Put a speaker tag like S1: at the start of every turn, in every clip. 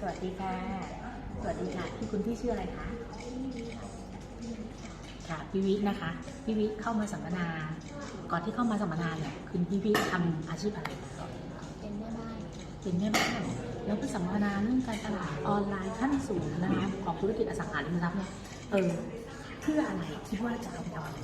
S1: วัสดีค่ะสวัสดีค่ะคุณพี่ชื่ออะไรคะค่ะพี่วิทย์นะคะพี่วิทย์เข้ามาสัมมนาก่อนที่เข้ามาสัมมนาเนี่ยคุณพี่วิทย์ทำอาชีพอะไร
S2: เป็นแม่บ้าน
S1: เป็นแม่บ้านแล้วก็สัมมนาเรื่องการตลาดออนไลน์ขั้นสูงนะคะของธุรกิจอสังหาริมทรัพย์เนี่ยเพื่ออะไรคิดว่าจะเอาไปทำอะไร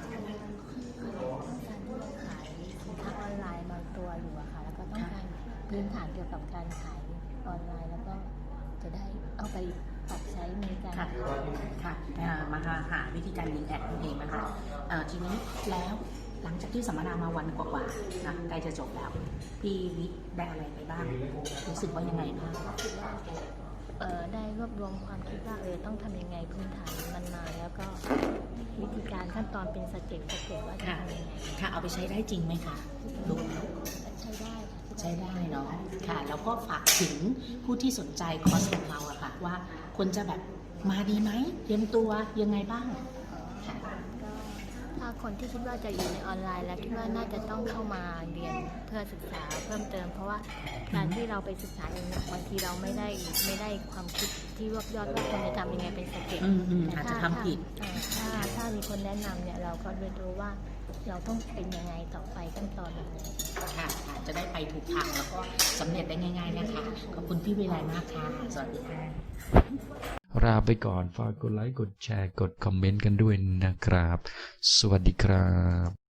S2: ต้องการที่จะขายสินค้าออนไลน์บางตัวอยู่อะค่ะแล้วก็ต้องการพื้นฐานเกี่ยวกับการขายออนไลน์แล้วก็จะได้เอาไปปรับใช้ในการ
S1: ค่ะมาหาวิธีการยิงแอดนั่นเองนะคะทีนี้แล้วหลังจากที่สัมมนามาวันกว่าๆนะใกล้จะจบแล้วพี่วิทย์ได้อะไรไปบ้างรู้สึกว่ายังไงบ้าง
S2: ได้รวบรวมความคิดว่าต้องทำยังไงพื้นฐานมันมาแล้วก็วิธีการขั้นตอนเป็นสเต็ปว่าจะทำยังไง
S1: ค่ะเอาไปใช้ได้จริงไหมคะดู
S2: ใช้ได้
S1: เนาะค่ะแล้วก็ฝากถึงผู้ที่สนใจคอร์สของเราอะค่ะว่าควรจะแบบมาดีไหมเตรียมตัวยังไงบ้างค่ะ
S2: ก็ถ้าคนที่คิดว่าจะอยู่ในออนไลน์แล้วคิดว่าน่าจะต้องเข้ามาเรียนเพื่อศึกษาเพิ่มเติมเพราะว่าการที่เราไปศึกษาเองบางทีเราไม่ได้ความคิดที่รวบยอดว่าควรจะทำยังไงเป็นสเต็ป
S1: อาจจะทำผิด
S2: ถ้ามีคนแนะนำเนี่ยเราก็เรียนรู้ว่าเราต้องเป็นยังไงต่อไปขั้นตอนยังไง
S1: ค่ะจะได้ไปถูกทางแล้วก็สำเร็จได้ง่ายๆนะคะขอบคุณพี่วิไลมากค่ะสวัสดีค่ะ
S3: ลาไปก่อนฝากกดไลค์กดแชร์กดคอมเมนต์กันด้วยนะครับสวัสดีครับ